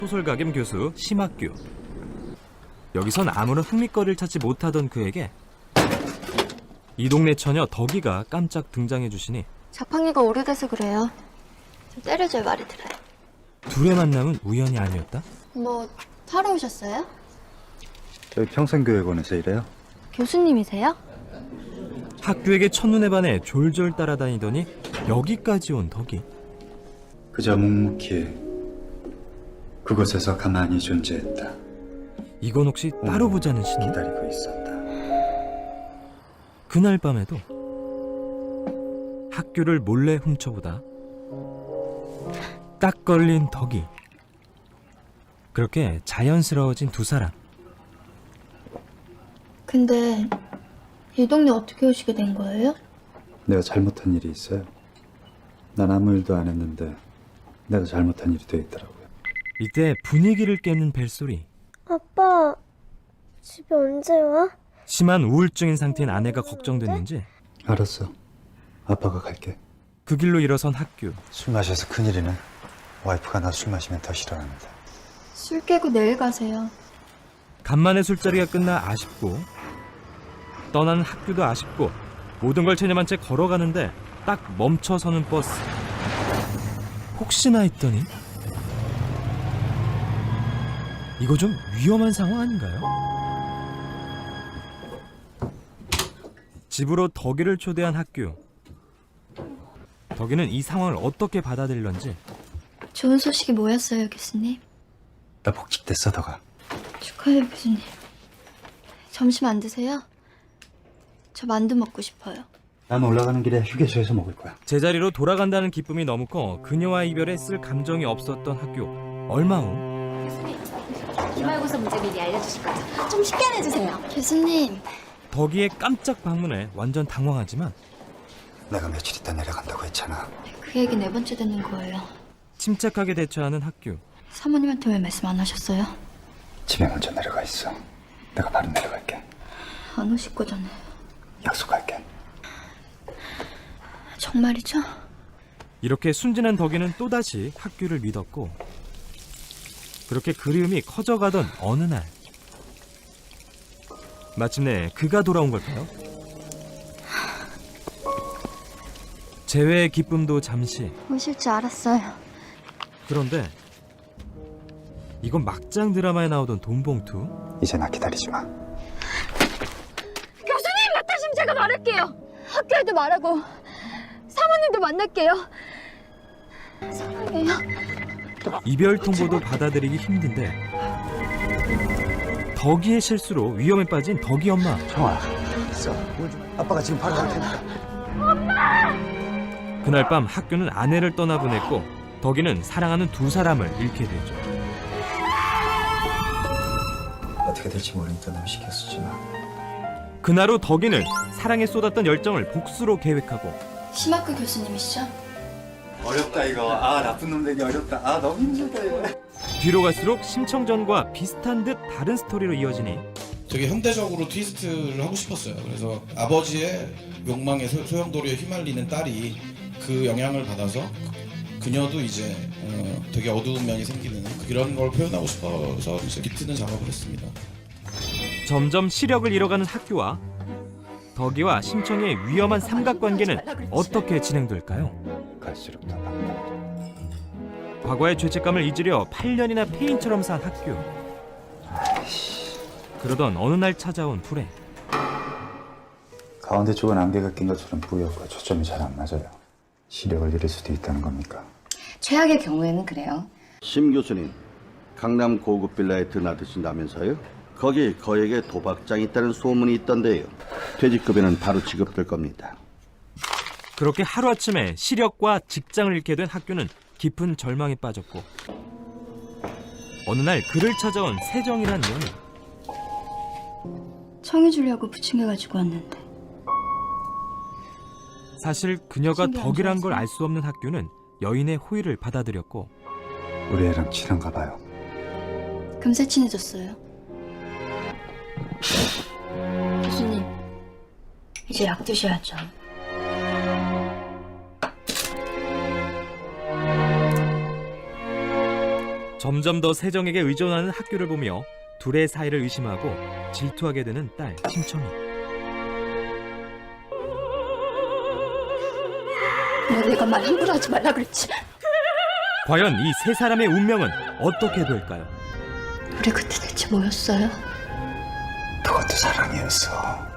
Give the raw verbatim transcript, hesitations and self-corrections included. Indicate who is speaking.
Speaker 1: 소설가겸 교수 심학규. 여기선 아무런 흥미거리를 찾지 못하던 그에게 이 동네 처녀 덕이가 깜짝 등장해 주시니
Speaker 2: 자판기가 오래돼서 그래요. 좀 때려줘야 말이 들어요.
Speaker 1: 둘의 만남은 우연이 아니었다?
Speaker 2: 뭐 타러 오셨어요?
Speaker 3: 저희 평생교육원에서 일해요.
Speaker 2: 교수님이세요?
Speaker 1: 학교에게 첫눈에 반해 졸졸 따라다니더니 여기까지 온 덕이.
Speaker 3: 그저 묵묵히 그곳에서 가만히 존재했다.
Speaker 1: 이건 혹시 따로 보자는 신호?
Speaker 3: 기다리고 있었다.
Speaker 1: 그날 밤에도 학교를 몰래 훔쳐보다 딱 걸린 덕이. 그렇게 자연스러워진 두 사람.
Speaker 2: 근데 이 동네 어떻게 오시게 된 거예요?
Speaker 3: 내가 잘못한 일이 있어요. 난 아무 일도 안 했는데 내가 잘못한 일이 돼 있더라고요.
Speaker 1: 이때 분위기를 깨는 벨소리.
Speaker 4: 아빠, 집에 언제 와?
Speaker 1: 심한 우울증인 상태인 아내가 걱정됐는지
Speaker 3: 알았어. 아빠가 갈게.
Speaker 1: 그 길로 일어선 학교.
Speaker 3: 술 마셔서 큰일이네. 와이프가 나 술 마시면 더 싫어합니다.
Speaker 2: 술 깨고 내일 가세요.
Speaker 1: 간만에 술자리가 끝나 아쉽고 떠나는 학교도 아쉽고 모든 걸 체념한 채 걸어가는데 딱 멈춰서는 버스. 혹시나 했더니 이거 좀 위험한 상황 아닌가요? 집으로 덕이를 초대한 학교. 덕이는 이 상황을 어떻게 받아들일런지.
Speaker 2: 좋은 소식이 뭐였어요, 교수님?
Speaker 3: 나 복직됐어, 더가.
Speaker 2: 축하해요, 교수님. 점심 안 드세요? 저 만두 먹고 싶어요.
Speaker 3: 난 올라가는 길에 휴게소에서 먹을 거야.
Speaker 1: 제자리로 돌아간다는 기쁨이 너무 커 그녀와 이별에 쓸 감정이 없었던 학교. 얼마 후
Speaker 5: 기말고사 문제 미리 알려주실 거죠? 좀 쉽게 해주세요.
Speaker 2: 교수님,
Speaker 1: 덕이의 깜짝 방문에 완전 당황하지만
Speaker 3: 내가 며칠 있다 내려간다고 했잖아.
Speaker 2: 그 얘기 네 번째 듣는 거예요.
Speaker 1: 침착하게 대처하는 학교.
Speaker 2: 사모님한테 왜 말씀 안 하셨어요?
Speaker 3: 집에 먼저 내려가 있어. 내가 바로 내려갈게.
Speaker 2: 안 오실 거잖아요.
Speaker 3: 약속할게.
Speaker 2: 정말이죠?
Speaker 1: 이렇게 순진한 덕이는 또다시 학교를 믿었고 그렇게 그리움이 커져가던 어느 날 마침내 그가 돌아온 걸까요? 재회의 기쁨도 잠시.
Speaker 2: 오실 줄 알았어요.
Speaker 1: 그런데 이건 막장 드라마에 나오던 돈봉투.
Speaker 3: 이제 나 기다리지 마.
Speaker 2: 교수님, 나타시면 제가 말할게요. 학교에도 말하고 사모님도 만날게요. 사랑해요.
Speaker 1: 이별 통보도 받아들이기 힘든데 덕이의 실수로 위험에 빠진 덕이 엄마.
Speaker 3: 청아, 있어. 아빠가 지금 바로 갈 테니까.
Speaker 1: 그날 밤 학교는 아내를 떠나보냈고 덕이는 사랑하는 두 사람을 잃게 되죠.
Speaker 3: 어떻게 될지 모르니까 널 시켰었지만
Speaker 1: 그날 후 덕이는 사랑에 쏟았던 열정을 복수로 계획하고
Speaker 2: 심학규 교수님이시죠?
Speaker 3: 어렵다 이거. 아 나쁜 놈 되기 어렵다. 아 너무 힘들다 이거.
Speaker 1: 뒤로 갈수록 심청전과 비슷한 듯 다른 스토리로 이어지니
Speaker 6: 되게 현대적으로 트위스트를 하고 싶었어요. 그래서 아버지의 욕망에 소, 소용돌이에 휘말리는 딸이 그 영향을 받아서 그녀도 이제 어, 되게 어두운 면이 생기는 그런 걸 표현하고 싶어서 이제 비트는 작업을 했습니다.
Speaker 1: 점점 시력을 잃어가는 학교와 덕이와 심청의 위험한 삼각관계는 어떻게 진행될까요?
Speaker 3: 갈수록 더 막다.
Speaker 1: 과거의 죄책감을 잊으려 팔 년이나 폐인처럼 산 학교. 그러던 어느 날 찾아온 불행.
Speaker 3: 가운데 쪽은 안개가 낀 것처럼 뿌옇고 초점이 잘 안 맞아요. 시력을 잃을 수도 있다는 겁니까?
Speaker 5: 최악의 경우에는 그래요.
Speaker 7: 심 교수님, 강남 고급 빌라에 드나드신다면서요? 거기 거액의 도박장이 있다는 소문이 있던데요. 퇴직급여는 바로 지급될 겁니다.
Speaker 1: 그렇게 하루아침에 시력과 직장을 잃게 된 학교는 깊은 절망에 빠졌고 어느 날 그를 찾아온 세정이란 여인.
Speaker 2: 청해 주려고 부침개 가지고 왔는데.
Speaker 1: 사실 그녀가
Speaker 2: 신기 안
Speaker 1: 덕이란 걸
Speaker 2: 좋아하세요?
Speaker 1: 알 수 없는 학교는 여인의 호의를 받아들였고
Speaker 3: 우리 애랑 친한가 봐요.
Speaker 2: 금세 친해졌어요. 교수님, 이제 약 드셔야죠.
Speaker 1: 점점 더 세정에게 의존하는 학교를 보며 둘의 사이를 의심하고 질투하게 되는 딸 심청이.
Speaker 2: 왜 내가 말 함부로 하지 말라 그랬지?
Speaker 1: 과연 이 세 사람의 운명은 어떻게 될까요?
Speaker 2: 우리 그때 대체 뭐였어요?
Speaker 3: 그것도 사랑이었어.